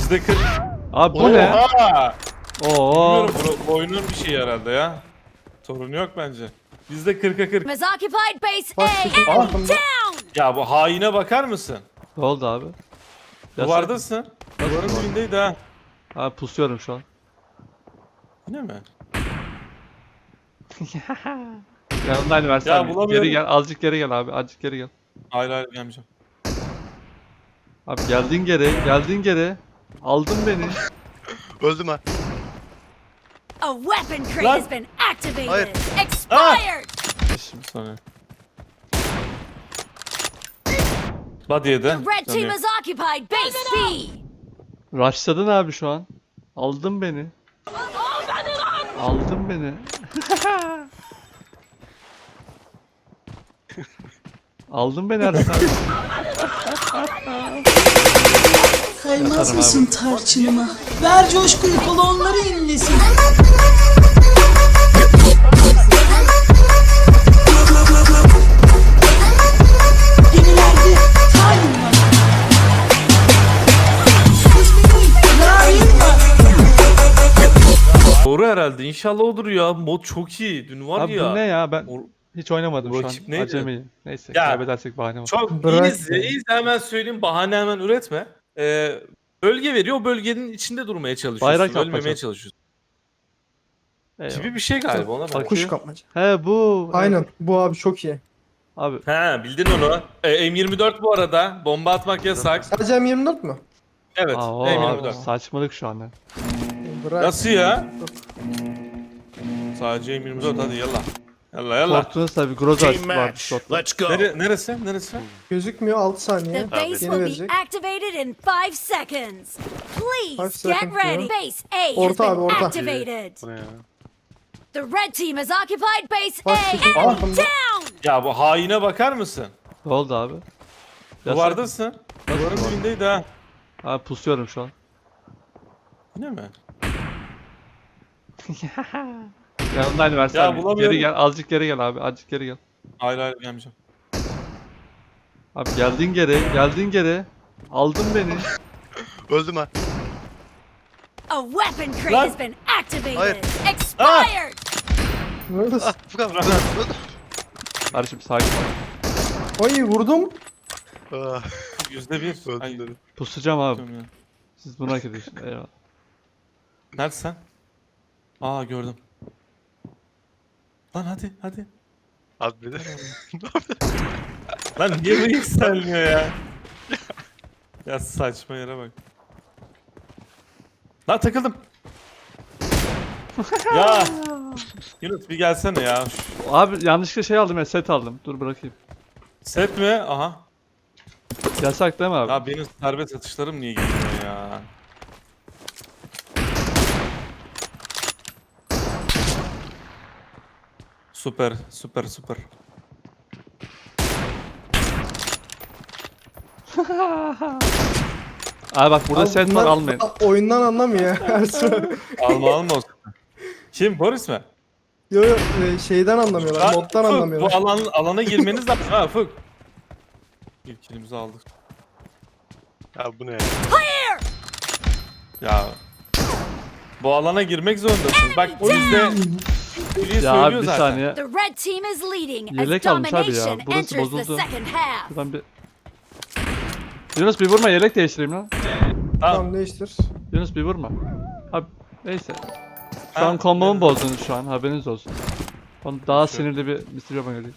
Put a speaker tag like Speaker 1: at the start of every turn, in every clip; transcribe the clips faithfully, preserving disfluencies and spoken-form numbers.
Speaker 1: yüzde kırk.
Speaker 2: Abi bu ne?
Speaker 1: Oha!
Speaker 2: Oo.
Speaker 1: Bilmiyorum, bu oyunun bir şeyi herhalde ya. Sorun yok bence. Bizde kırka kırk.
Speaker 3: Has occupied base
Speaker 4: Bak,
Speaker 3: A.
Speaker 4: şu
Speaker 3: Enemy
Speaker 4: altında.
Speaker 3: down!
Speaker 1: Ya bu haine bakar mısın?
Speaker 2: Ne oldu abi? Yasak.
Speaker 1: Duvardasın. Duvarın dibindeydi ha.
Speaker 2: Abi pusuyorum şu an.
Speaker 1: Yine mi?
Speaker 2: Yanındaydı versene.
Speaker 1: Ya bulamıyorum.
Speaker 2: Geri gel. Azıcık geri gel abi. Azıcık geri gel.
Speaker 1: Hayır hayır gelmeyeceğim.
Speaker 2: Abi geldin geri. Geldin geri. Aldın beni.
Speaker 5: Öldüm ha.
Speaker 3: A weapon crate
Speaker 1: Lan.
Speaker 3: has been activated.
Speaker 5: Hayır.
Speaker 3: Expired!
Speaker 1: Şimdi sonra. Body'ye de.
Speaker 3: The red team has occupied base B.
Speaker 2: Rushladın abi şu an. Aldın beni. Aldın beni. Aldın beni Aras abi.
Speaker 6: Kaymaz
Speaker 2: Yatarım
Speaker 6: mısın tarçınıma? Ver coşkuyu kolonları inlesin. Gemilerde talim var. Narin var.
Speaker 1: Doğru herhalde. İnşallah odur ya. Mod çok iyi. Dün var
Speaker 2: Abi
Speaker 1: ya.
Speaker 2: bu ne ya? Ben
Speaker 1: O-
Speaker 2: hiç oynamadım
Speaker 1: Bu
Speaker 2: şu
Speaker 1: rakip
Speaker 2: an.
Speaker 1: neydi?
Speaker 2: Acemiyim. Neyse
Speaker 1: Ya.
Speaker 2: kaybedersek bahane var.
Speaker 1: Çok
Speaker 4: Bırak
Speaker 1: easy.
Speaker 4: ya.
Speaker 1: Easy hemen söyleyeyim. Bahane hemen üretme. Ee, bölge veriyor. O bölgenin içinde durmaya çalışıyorsun.
Speaker 2: Bayrak
Speaker 1: Ölmemeye
Speaker 2: yapacağım.
Speaker 1: çalışıyorsun.
Speaker 2: Eyvallah.
Speaker 1: Gibi bir şey galiba ona bak.
Speaker 2: Bak-
Speaker 4: Kuş kapmaca.
Speaker 2: He bu.
Speaker 4: Aynen. Bu abi çok iyi.
Speaker 2: Abi
Speaker 1: He bildin onu. Ee, M yirmi dört bu arada. Bomba atmak yasak.
Speaker 4: Sadece M yirmi dört mü?
Speaker 1: Evet.
Speaker 2: aa, o
Speaker 1: M
Speaker 2: abi,
Speaker 1: yirmi dört.
Speaker 2: saçmalık şu an ya.
Speaker 4: Bırak.
Speaker 1: Nasıl ya? Sadece M yirmi dört hadi yallah. Yallah yallah.
Speaker 2: Korktuğunuz tabi Groza
Speaker 5: Team
Speaker 2: var
Speaker 5: match.
Speaker 2: slotta.
Speaker 5: Let's go.
Speaker 1: Nere, neresi? Neresi?
Speaker 4: Gözükmüyor altı saniye.
Speaker 3: The base
Speaker 4: Yeni
Speaker 3: will be
Speaker 4: verecek.
Speaker 3: activated in five seconds.
Speaker 4: Five
Speaker 3: Please
Speaker 4: seconds
Speaker 3: get ready.
Speaker 4: diyor.
Speaker 3: Base A has
Speaker 4: Orta abi,
Speaker 3: been
Speaker 4: orta.
Speaker 3: activated.
Speaker 5: Bu ne ya?
Speaker 3: The red team has occupied base
Speaker 4: Bak,
Speaker 3: A.
Speaker 4: şu
Speaker 3: Enemy
Speaker 4: altında.
Speaker 3: down!
Speaker 1: Ya bu haine bakar mısın?
Speaker 2: Ne oldu abi? Yasak.
Speaker 1: Duvardasın. Duvarın dibindeydi ha.
Speaker 2: Abi pusuyorum şu an.
Speaker 1: Yine mi?
Speaker 2: Yanındaydı versene.
Speaker 1: Ya bulamıyorum.
Speaker 2: Geri gel. Azıcık geri gel abi. Azıcık geri gel.
Speaker 1: Hayır hayır gelmeyeceğim.
Speaker 2: Abi geldin geri. Geldin geri. Aldın beni.
Speaker 5: Öldüm ha.
Speaker 3: A weapon crate
Speaker 1: Lan.
Speaker 3: has been activated.
Speaker 5: Hayır.
Speaker 3: Expired!
Speaker 4: Neredesin?
Speaker 5: Ah bu kadar.
Speaker 2: Kardeşim sakin ol.
Speaker 4: Ay vurdum.
Speaker 5: Ah,
Speaker 1: Yüzde bir. Ay,
Speaker 5: öldüm dedim.
Speaker 2: Pusacağım abi.
Speaker 1: diyorum ya.
Speaker 2: Siz bunu hak ediyorsunuz. Eyvallah.
Speaker 1: Neredesin sen? Aa gördüm. Lan hadi hadi.
Speaker 5: Abi beni.
Speaker 1: Lan niye bu yükselmiyor ya? Ya saçma yere bak. Lan takıldım. Ya. Yunus bir gelsene ya. Şu
Speaker 2: Abi yanlışlıkla şey aldım ya set aldım. Dur bırakayım.
Speaker 1: set mi? Aha.
Speaker 2: Yasak değil mi abi?
Speaker 1: Ya benim serbest atışlarım niye geliyor ya? Süper, süper, süper.
Speaker 2: Abi bak burada
Speaker 4: Abi
Speaker 2: set var
Speaker 4: bunlar
Speaker 2: almayın.
Speaker 4: a- Oyundan anlamıyor ya. Ersun.
Speaker 1: Alma alma olsun. Kim? Boris mi?
Speaker 4: Yo yo e, şeyden anlamıyorlar.
Speaker 1: Lan
Speaker 4: Moddan
Speaker 1: Ufuk,
Speaker 4: anlamıyorlar.
Speaker 1: Bu alan, alana girmeniz lazım ha Ufuk. İlk kilimizi aldık.
Speaker 5: Ya bu ne ya?
Speaker 3: Clear!
Speaker 1: Ya. Bu alana girmek zorundasın. Bak o yüzde Biri
Speaker 2: Ya abi
Speaker 1: söylüyor
Speaker 2: bir
Speaker 1: zaten.
Speaker 2: saniye.
Speaker 3: The red team is leading as
Speaker 2: Yelek almış abi ya.
Speaker 3: domination
Speaker 2: Burası
Speaker 3: enters the
Speaker 2: bozuldu.
Speaker 3: second half.
Speaker 2: Şuradan bir... Yunus bir vurma yelek değiştireyim lan.
Speaker 1: Tamam.
Speaker 4: Tamam değiştir.
Speaker 2: Yunus bir vurma. Abi neyse. Şu
Speaker 1: Ha,
Speaker 2: an kombomu
Speaker 1: evet.
Speaker 2: bozdunuz şu an haberiniz olsun. Onu daha sinirli bir mister Yaman geliyor.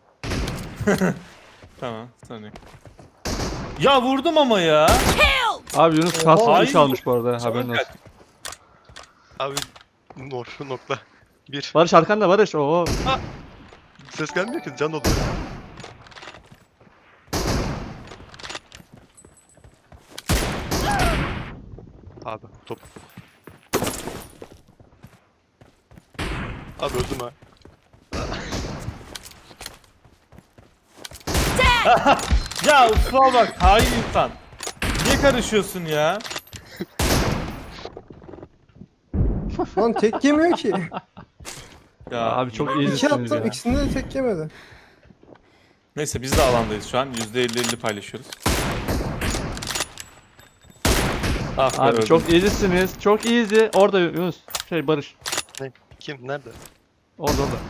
Speaker 1: Tamam. Saniye. Ya vurdum ama ya.
Speaker 3: Kill!
Speaker 2: Abi Yunus kas
Speaker 1: Hayır.
Speaker 2: iş almış bu arada haberin olsun.
Speaker 5: Abi nor nokta. Bir.
Speaker 2: Barış arkanda Barış. Oo.
Speaker 5: Ses gelmiyor ki can oluyor. Abi top. Abi öldüm ha.
Speaker 1: Ya ufa bak hain insan. Niye karışıyorsun ya?
Speaker 4: Lan tek yemiyor ki.
Speaker 1: Ya
Speaker 2: Abi çok
Speaker 4: İki
Speaker 2: iyisiniz
Speaker 4: attım
Speaker 2: ya.
Speaker 4: ikisinde de tek yemedi.
Speaker 1: Neyse biz de alandayız şu an. yüzde elli elli paylaşıyoruz. Ah be,
Speaker 2: Abi
Speaker 1: öldüm.
Speaker 2: çok iyisiniz. Çok easy. Orada Yunus. Şey Barış.
Speaker 5: Kim? Nerede?
Speaker 2: Orada orada.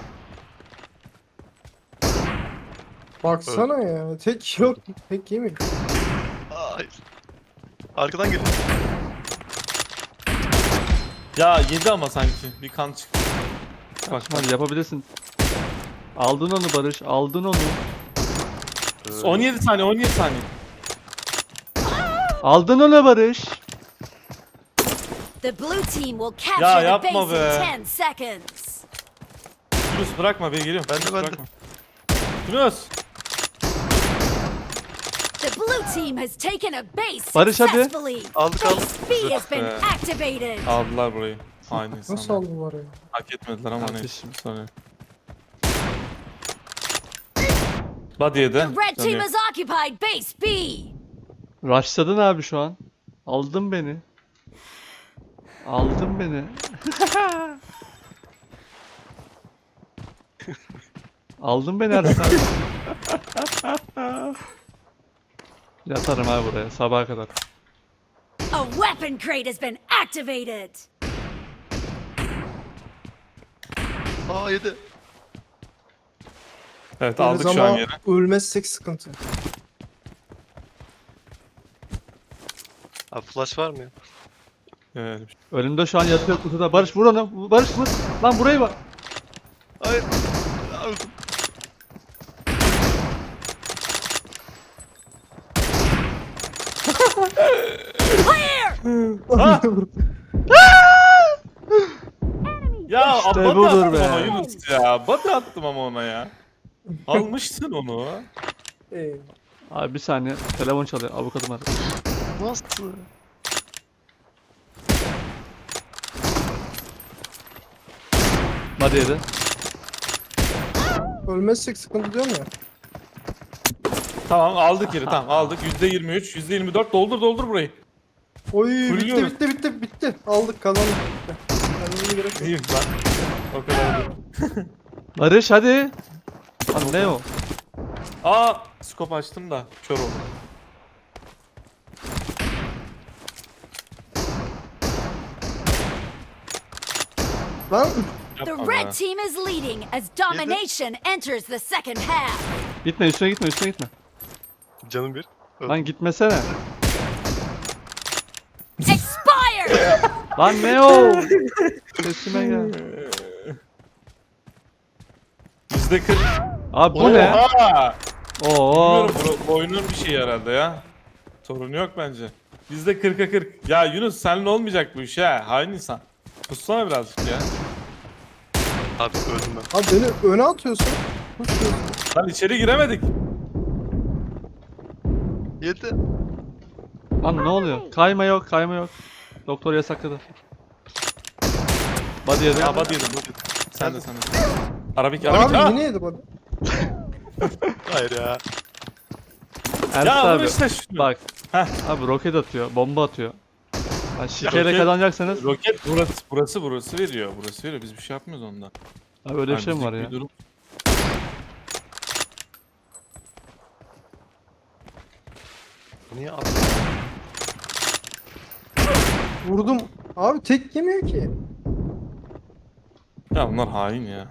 Speaker 4: Baksana ya. Tek yok. Tek yemiyor.
Speaker 5: Aa, hayır. Arkadan geliyor.
Speaker 1: Ya yedi ama sanki. Bir kan çıktı.
Speaker 2: Bak hadi yapabilirsin. Aldın onu Barış. Aldın onu.
Speaker 1: on yedi saniye on yedi saniye.
Speaker 2: Aldın onu Barış.
Speaker 3: The blue team will capture the
Speaker 1: yapma
Speaker 3: base
Speaker 1: be.
Speaker 3: in ten seconds.
Speaker 1: Yunus bırakma be geliyorum.
Speaker 5: Ben de,
Speaker 1: Yunus,
Speaker 5: ben de.
Speaker 1: bırakma. Yunus.
Speaker 3: The blue team has taken a base
Speaker 2: Barış, hadi.
Speaker 3: successfully.
Speaker 5: Aldık aldık.
Speaker 3: Base B has been
Speaker 1: be.
Speaker 3: activated.
Speaker 1: Aldılar burayı. Aynı
Speaker 4: Nasıl
Speaker 1: insanlar.
Speaker 4: aldı var ya?
Speaker 1: Hak etmediler ama ne.
Speaker 2: Kardeşim.
Speaker 1: Sonra. Body'ye de.
Speaker 3: The red team
Speaker 1: dönüyor.
Speaker 3: has occupied base B.
Speaker 2: Rushladın abi şu an. Aldın beni. Aldın beni. Aldın beni Ersin abi. Yatarım abi buraya sabaha kadar.
Speaker 3: A weapon crate has been activated.
Speaker 5: Aa yedi.
Speaker 1: Evet aldık şu an
Speaker 4: Ama
Speaker 1: yine.
Speaker 4: ölmezsek sıkıntı.
Speaker 5: Abi flash var mı ya?
Speaker 1: Evet.
Speaker 2: Önümde şu an yatıyor kutuda. Barış vur onu. Barış vur. Lan burayı bak.
Speaker 5: Hayır. Aa, öldüm.
Speaker 3: Clear!
Speaker 1: Ha! Ya
Speaker 2: İşte
Speaker 1: body
Speaker 2: budur
Speaker 1: attım
Speaker 2: be.
Speaker 1: ama Yunus ya. Body attım ama ona ya. Almışsın onu.
Speaker 4: Ee,
Speaker 2: Abi bir saniye. Telefon çalıyor. Avukatım aradı.
Speaker 5: Nasıl?
Speaker 2: Hadi yedi.
Speaker 4: ölmezsek sıkıntı diyorum ya.
Speaker 1: Tamam aldık yeri tamam aldık. yüzde yirmi üç, yüzde yirmi dört doldur doldur burayı.
Speaker 4: Oy bitti
Speaker 1: Fulluyoruz.
Speaker 4: bitti bitti bitti. Aldık kazandık. Bitti. Kendimize gerek yok.
Speaker 1: İyiyim lan. O kadar değil.
Speaker 2: Barış hadi. Lan ne o?
Speaker 1: Aa skop açtım da kör oldum.
Speaker 4: Lan
Speaker 3: The
Speaker 1: Yapma be.
Speaker 3: red team is leading as domination enters the second half.
Speaker 2: Gitme üstüne gitme üstüne gitme.
Speaker 5: Canım bir. Öldüm.
Speaker 2: Lan gitmesene.
Speaker 3: Expired!
Speaker 2: Lan ne o? Sesime gel.
Speaker 1: yüzde kırk.
Speaker 2: Abi bu ne?
Speaker 1: Oha!
Speaker 2: Oo.
Speaker 1: Bilmiyorum bu, bu oyunun bir şeyi herhalde ya. Sorun yok bence. yüzde kırka kırk. Ya Yunus seninle olmayacak bu iş ha. Hain insan. Kussana birazcık ya.
Speaker 5: Abi öldüm ben.
Speaker 4: abi beni öne atıyorsun. Kusuyorsun.
Speaker 1: Lan içeri giremedik.
Speaker 5: Yedi.
Speaker 2: Lan ne oluyor? Kayma yok, kayma yok. Doktor yasakladı. Body yedi.
Speaker 1: Ya body yedim body yedim. Sen de sen de. Arabik arabik.
Speaker 4: Abi
Speaker 1: Ah!
Speaker 4: yine yedi bana.
Speaker 5: Hayır ya.
Speaker 2: Ersin
Speaker 1: Ya vur
Speaker 2: abi.
Speaker 1: işte şunu.
Speaker 2: Bak.
Speaker 1: Heh.
Speaker 2: Abi roket atıyor, bomba atıyor. Ha, şikeyle
Speaker 1: roket-
Speaker 2: kazanacaksanız.
Speaker 1: Roket burası burası burası veriyor. Burası veriyor. Biz bir şey yapmıyoruz onda.
Speaker 2: Abi öyle bir
Speaker 1: Yani
Speaker 2: şey mi var
Speaker 1: bizlik
Speaker 2: ya?
Speaker 1: bir durum-
Speaker 5: Niye abi?
Speaker 4: Vurdum. Abi tek yemiyor ki.
Speaker 1: Ya bunlar hain ya.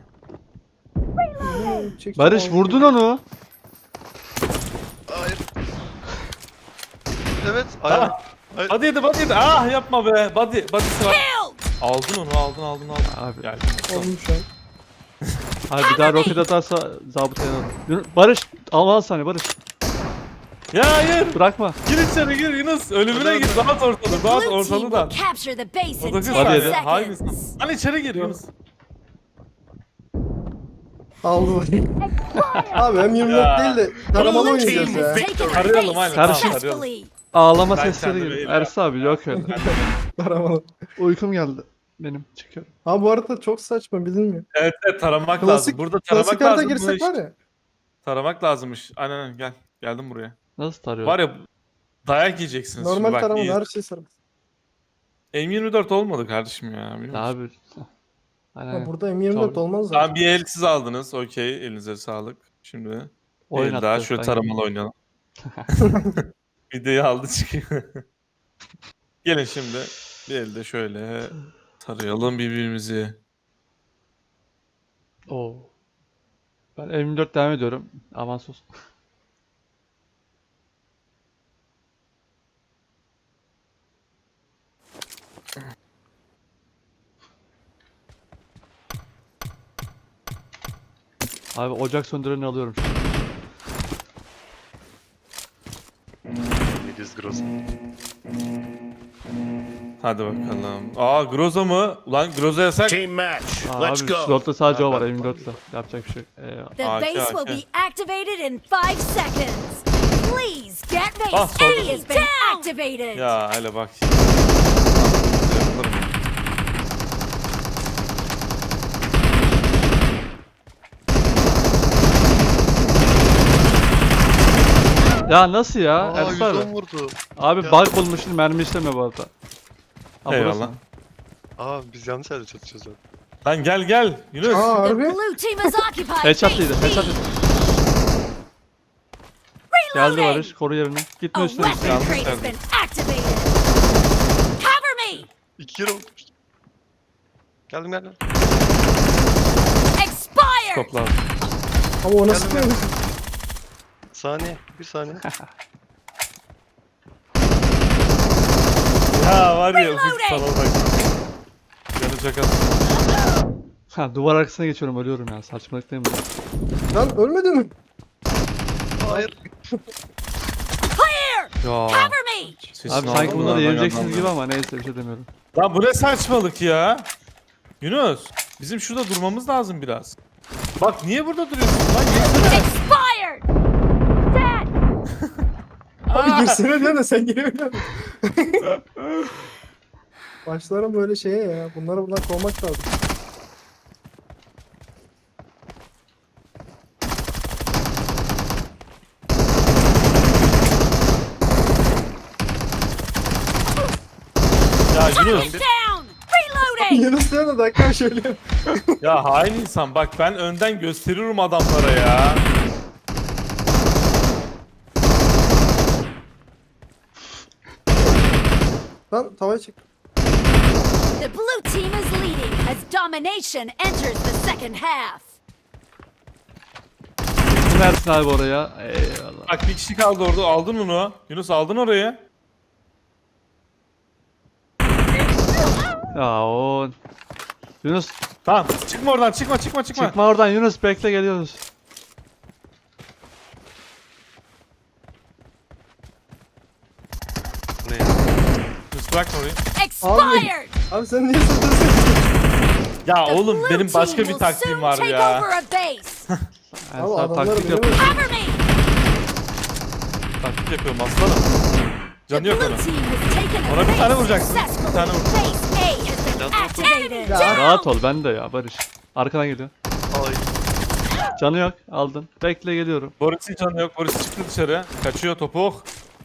Speaker 4: Çek-
Speaker 2: Barış
Speaker 4: çek-
Speaker 2: vurdun onu.
Speaker 5: Hayır. Evet. Ayağım. Hayır.
Speaker 1: Body yedi body yedi. Ah yapma be. Body body'si var.
Speaker 3: Killed!
Speaker 1: Aldın onu aldın aldın aldın.
Speaker 2: Abi.
Speaker 1: Gel.
Speaker 4: Olmuş şu an.
Speaker 2: Abi bir daha roket atarsa zabıta yanalım. Barış al al saniye Barış.
Speaker 1: Ya hayır.
Speaker 2: Bırakma.
Speaker 1: Gir içeri gir Yunus. Ölümüne gir. Dağıt ortalığı.
Speaker 3: The
Speaker 1: Dağıt
Speaker 3: blue team
Speaker 1: ortalığı
Speaker 3: will
Speaker 1: da.
Speaker 3: capture the base in
Speaker 1: Odaklı
Speaker 3: ten
Speaker 2: Hadi
Speaker 1: sadece. Hain
Speaker 3: seconds.
Speaker 1: insan. Lan içeri gir Yunus.
Speaker 4: Aldı bana. Abi hem yirmi
Speaker 1: Ya.
Speaker 4: dört değil de taramalı
Speaker 3: Blue
Speaker 4: oynayacağız
Speaker 3: team
Speaker 4: ya.
Speaker 3: has taken a
Speaker 1: Arayalım,
Speaker 3: base
Speaker 1: aynen.
Speaker 2: Kardeşim.
Speaker 3: successfully.
Speaker 2: Ağlama
Speaker 1: Ben
Speaker 2: sesleri
Speaker 1: kendime
Speaker 2: gibi.
Speaker 1: iyi
Speaker 2: Ersin abi yok öyle.
Speaker 4: Taramalı.
Speaker 2: Uykum geldi. Benim çıkıyorum.
Speaker 4: Abi bu arada çok saçma bilinmiyor.
Speaker 1: Evet evet taramak
Speaker 4: Klasik-
Speaker 1: lazım. Burada taramak
Speaker 4: Klasik harita
Speaker 1: lazım.
Speaker 4: girsek
Speaker 1: Buna
Speaker 4: var
Speaker 1: iş-
Speaker 4: ya.
Speaker 1: Taramak lazımmış. Aynen aynen gel. Geldim buraya.
Speaker 2: Nasıl tarıyor?
Speaker 1: Var ya dayak yiyeceksiniz
Speaker 4: Normal
Speaker 1: şimdi bak.
Speaker 4: taramalı
Speaker 1: iyi.
Speaker 4: her şey sarı.
Speaker 1: M yirmi dört olmadı kardeşim ya. biliyor
Speaker 2: Ya
Speaker 1: musun?
Speaker 2: abi. Aynen.
Speaker 4: Ya burada M yirmi dört
Speaker 1: Tabii.
Speaker 4: olmaz zaten.
Speaker 1: Tamam bir el siz aldınız. Okey. Elinize sağlık. Şimdi bir
Speaker 2: Oyun
Speaker 1: el daha
Speaker 2: attı,
Speaker 1: şöyle
Speaker 2: ben
Speaker 1: taramalı oynayalım. Videoyu aldı çıkıyor. Gelin şimdi bir elde şöyle tarayalım birbirimizi.
Speaker 2: Oo. Ben M yirmi dört devam ediyorum. Avans olsun. Abi ocak söndüreni alıyorum şu an.
Speaker 5: Yediz gross.
Speaker 1: Hadi bakalım. Aa Groza mı? Ulan Groza yasak.
Speaker 7: Team match.
Speaker 2: Aa,
Speaker 7: Let's
Speaker 2: abi
Speaker 7: go.
Speaker 2: slotta sadece o var M yirmi dörtte. Yapacak bir şey yok. Eyvallah.
Speaker 3: The
Speaker 1: Okay,
Speaker 3: base will
Speaker 1: okay.
Speaker 3: be activated in five seconds. Please get base.
Speaker 1: Ah, sorry.
Speaker 3: A has been activated.
Speaker 1: Ya hele bak. Yaparım.
Speaker 2: Ya nasıl ya?
Speaker 5: Aa
Speaker 2: Ersin abi.
Speaker 5: yüz on vurdu.
Speaker 2: Abi
Speaker 5: Ya.
Speaker 2: bug bulmuşsun mermi işlemiyor bu arada. Ha,
Speaker 1: Eyvallah.
Speaker 2: burası.
Speaker 5: Aa biz yanlış yerde çatışıyoruz abi.
Speaker 1: Lan gel gel. Yunus.
Speaker 4: Aa
Speaker 3: The
Speaker 4: harbi.
Speaker 3: blue team has occupied
Speaker 2: Headshot
Speaker 3: base
Speaker 2: yedi,
Speaker 3: B.
Speaker 2: headshot yedi. Geldi
Speaker 3: Reloading.
Speaker 2: Barış, koru yerini. Gitme
Speaker 3: A
Speaker 2: üstüne
Speaker 3: weapon
Speaker 2: üstüne.
Speaker 1: Yanlış
Speaker 3: crate has
Speaker 1: yerde.
Speaker 3: been activated. Cover me.
Speaker 5: İki kere oldu. Geldim geldim.
Speaker 3: Expired.
Speaker 1: Stop lazım.
Speaker 4: Ama o nasıl
Speaker 5: Geldim,
Speaker 4: bir
Speaker 5: Saniye. Bir saniye.
Speaker 1: Ya var ya ufuk
Speaker 3: Reloading.
Speaker 1: sana bak. Yanı çakal.
Speaker 2: Ha duvar arkasına geçiyorum ölüyorum ya saçmalık değil mi?
Speaker 4: Lan ölmedin mi?
Speaker 5: Hayır.
Speaker 3: Clear.
Speaker 1: Ya.
Speaker 3: Cover me.
Speaker 1: Sesin
Speaker 2: Abi sanki bunları
Speaker 1: altından
Speaker 2: yeneceksiniz
Speaker 1: yandan-
Speaker 2: gibi ama neyse bir şey demiyorum.
Speaker 1: Lan bu ne saçmalık ya? Yunus. Bizim şurada durmamız lazım biraz. Bak niye burada duruyorsun lan? Yesene.
Speaker 3: Expired. Dead.
Speaker 4: Abi girsene diyor da sen giremiyorsun. Başlarım böyle şeye ya. Bunları bunlar kovmak lazım.
Speaker 1: Ya Yunus.
Speaker 3: Down. Reloading.
Speaker 4: Yunus diyor da dakika şöyle.
Speaker 1: Ya hain insan bak ben önden gösteriyorum adamlara ya.
Speaker 4: Lan tavaya çek.
Speaker 3: The blue team is leading as domination enters the second half.
Speaker 2: Kim Ersin abi oraya? Eyvallah.
Speaker 1: Bak bir kişi kaldı orada aldın onu. Yunus aldın orayı.
Speaker 2: Ya o... Yunus
Speaker 1: Tamam çıkma oradan çıkma çıkma çıkma.
Speaker 2: çıkma oradan Yunus bekle geliyoruz.
Speaker 5: Ne ya?
Speaker 1: Yunus bırakma orayı.
Speaker 3: Expired.
Speaker 4: Abi sen niye satıyorsun?
Speaker 1: Ya
Speaker 3: The
Speaker 1: oğlum
Speaker 3: blue
Speaker 1: benim
Speaker 3: team
Speaker 1: başka bir
Speaker 3: will
Speaker 1: taktiğim
Speaker 3: soon
Speaker 1: var
Speaker 3: take
Speaker 1: ya.
Speaker 3: over a base.
Speaker 2: Ersin
Speaker 4: Abi
Speaker 2: abi
Speaker 4: adamları
Speaker 2: taktik
Speaker 4: bilemem.
Speaker 2: yapıyor.
Speaker 3: Cover me.
Speaker 1: Taktik yapıyorum aslanım.
Speaker 3: The
Speaker 1: Canı yok
Speaker 3: blue
Speaker 1: onun.
Speaker 3: team has taken a
Speaker 1: Ona bir tane
Speaker 3: base
Speaker 1: vuracaksın. Bir
Speaker 3: successfully.
Speaker 1: tane vur.
Speaker 3: Base A has been
Speaker 5: Ya,
Speaker 3: activated.
Speaker 4: Ya.
Speaker 2: Rahat ol ben de ya Barış. Arkadan geliyor.
Speaker 5: Ay.
Speaker 2: Canı yok aldın. Bekle geliyorum.
Speaker 1: Boris'in canı yok. Boris çıktı dışarı. Kaçıyor topuk.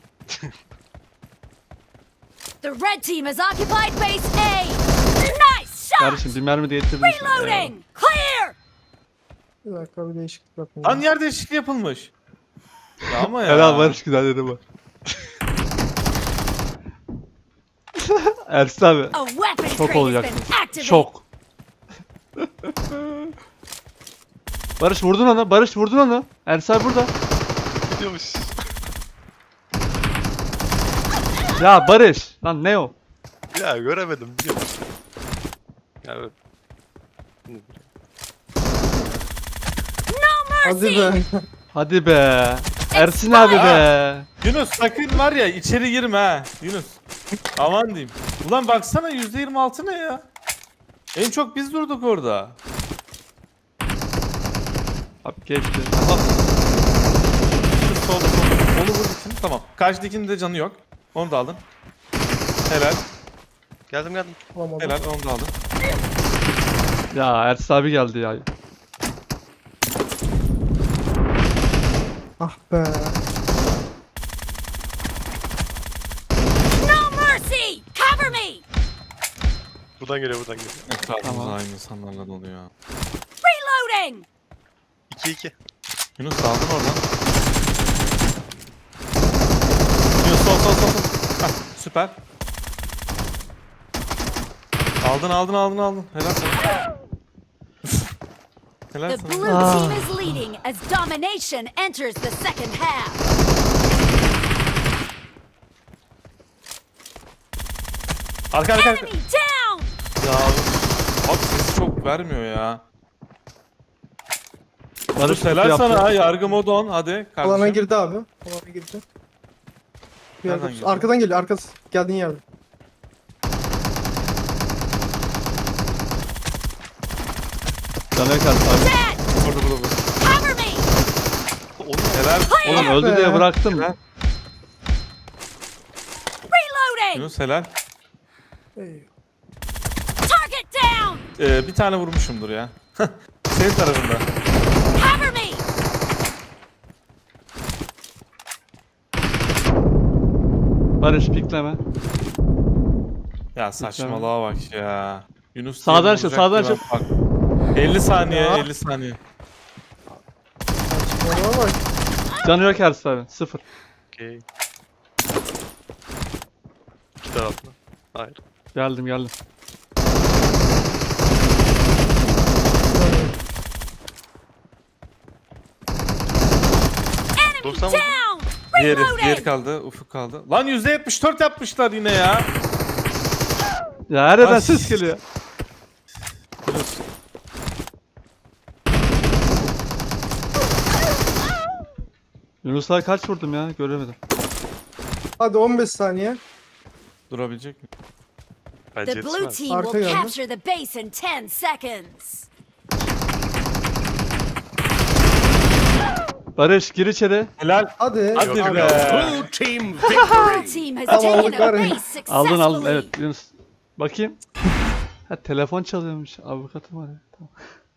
Speaker 3: The red team has occupied base A. Nice shot.
Speaker 2: Kardeşim bir mermi de yettirdin. işte. Eyvallah.
Speaker 3: Reloading. Clear.
Speaker 4: Bir dakika bir değişiklik yapayım.
Speaker 1: Lan yer değişikliği yapılmış. Ya ama ya.
Speaker 2: Helal Barış güzel dedi bu. Ersin abi.
Speaker 3: A weapon
Speaker 2: Şok
Speaker 3: crate has
Speaker 2: olacaksın.
Speaker 3: been activated.
Speaker 2: Şok. Barış vurdun onu. Barış vurdun onu. Ersin abi burada.
Speaker 5: Gidiyormuş.
Speaker 2: Ya Barış. Lan ne o?
Speaker 5: Ya göremedim biliyor musun? Ya evet.
Speaker 3: No
Speaker 4: Hadi
Speaker 3: mercy.
Speaker 4: be.
Speaker 2: Hadi be. Ersin abi be.
Speaker 1: Yunus sakın var ya içeri girme ha. Yunus. Aman diyeyim. Ulan baksana yüzde yirmi altı ne ya? En çok biz durduk orada.
Speaker 2: Abi geçti.
Speaker 1: Şu sol sol. Onu vur için. Tamam. Karşıdakinin de canı yok. Onu da aldın. Helal.
Speaker 5: Geldim geldim.
Speaker 4: Olamadı.
Speaker 1: Helal onu da aldın.
Speaker 2: Ya Ersin abi geldi ya.
Speaker 4: Ah be.
Speaker 3: No mercy. Cover me.
Speaker 5: Buradan geliyor buradan geliyor.
Speaker 1: Etrafımız
Speaker 2: Tamam.
Speaker 1: aynı insanlarla doluyor.
Speaker 3: Reloading.
Speaker 5: iki iki.
Speaker 1: Yunus aldın oradan. Yunus sol sol sol sol. Hah, süper. Aldın aldın aldın aldın. Helal sana. Helal
Speaker 3: The
Speaker 1: sana.
Speaker 3: blue team is leading as domination enters the second half.
Speaker 1: Arka arka arka.
Speaker 3: Enemy down!
Speaker 1: Ya abi sesi çok vermiyor ya.
Speaker 2: Barış
Speaker 1: Helal
Speaker 2: yaptı.
Speaker 1: sana ha, yargı modu on, hadi kardeşim.
Speaker 4: Alana girdi abi. Alana girdi. Bir
Speaker 1: Nereden
Speaker 4: yerde-
Speaker 1: girdi?
Speaker 4: Arkadan geliyor. Arkası. Geldiğin yerde.
Speaker 2: Canaya kaldı abi.
Speaker 3: Dead!
Speaker 1: Burada burada burada.
Speaker 3: Cover me!
Speaker 1: Helal.
Speaker 2: Oğlum
Speaker 4: Ah
Speaker 2: öldü
Speaker 4: be.
Speaker 2: diye bıraktım.
Speaker 1: Helal.
Speaker 3: Reloading!
Speaker 1: Yunus helal.
Speaker 4: Ey.
Speaker 3: Target down!
Speaker 1: Ee, bir tane vurmuşumdur ya. Senin tarafında.
Speaker 3: Cover me!
Speaker 2: Barış pikleme.
Speaker 1: Ya saçmalığa bak ya. Yunus
Speaker 2: Sağdan
Speaker 1: diye
Speaker 2: aşağı,
Speaker 1: vuracak
Speaker 2: sağdan
Speaker 1: diye ben bak- elli saniye,
Speaker 4: Ya.
Speaker 1: elli saniye.
Speaker 4: Bana bak.
Speaker 2: Canı yok Ersin abi. Sıfır.
Speaker 5: Okey. İki taraflı. Hayır.
Speaker 2: Geldim geldim.
Speaker 3: Enemy
Speaker 5: doksan
Speaker 3: down!
Speaker 1: Diğeri, diğeri
Speaker 3: Reloading!
Speaker 1: kaldı, Ufuk kaldı. Lan yüzde yetmiş dört yapmışlar yine ya.
Speaker 2: Ya her yerden
Speaker 1: Ay.
Speaker 2: ses geliyor.
Speaker 1: Yunus.
Speaker 2: Yunus'a kaç vurdum ya göremedim.
Speaker 4: Hadi on beş saniye.
Speaker 1: Durabilecek mi?
Speaker 5: Bence
Speaker 3: The blue
Speaker 5: yetişmez.
Speaker 3: team
Speaker 4: Arka
Speaker 3: will
Speaker 4: geldi.
Speaker 3: capture the base in ten seconds.
Speaker 2: Barış gir içeri.
Speaker 1: Helal.
Speaker 4: Hadi.
Speaker 1: Hadi
Speaker 4: Abi.
Speaker 1: be.
Speaker 3: Blue team has
Speaker 4: Tamam,
Speaker 3: taken a
Speaker 4: Karin.
Speaker 3: base
Speaker 2: Aldın aldın
Speaker 3: successfully.
Speaker 2: evet Yunus. Bakayım. Ha telefon çalıyormuş. Avukatım var ya. Tamam.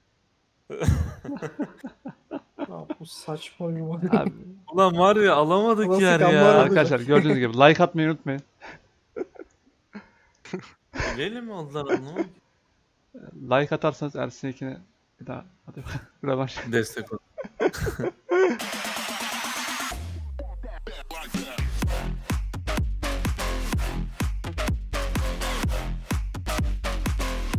Speaker 4: Ya bu saçma oyun var.
Speaker 2: Abi,
Speaker 1: Ulan var ya alamadık
Speaker 4: Nasıl
Speaker 1: yer
Speaker 4: gambar
Speaker 1: ya.
Speaker 4: oldu?
Speaker 2: arkadaşlar gördüğünüz gibi like atmayı unutmayın.
Speaker 1: Bilelim mi oldular onu?
Speaker 2: Like atarsanız Ersin ikine bir daha hadi rövanş.
Speaker 1: Destek ol.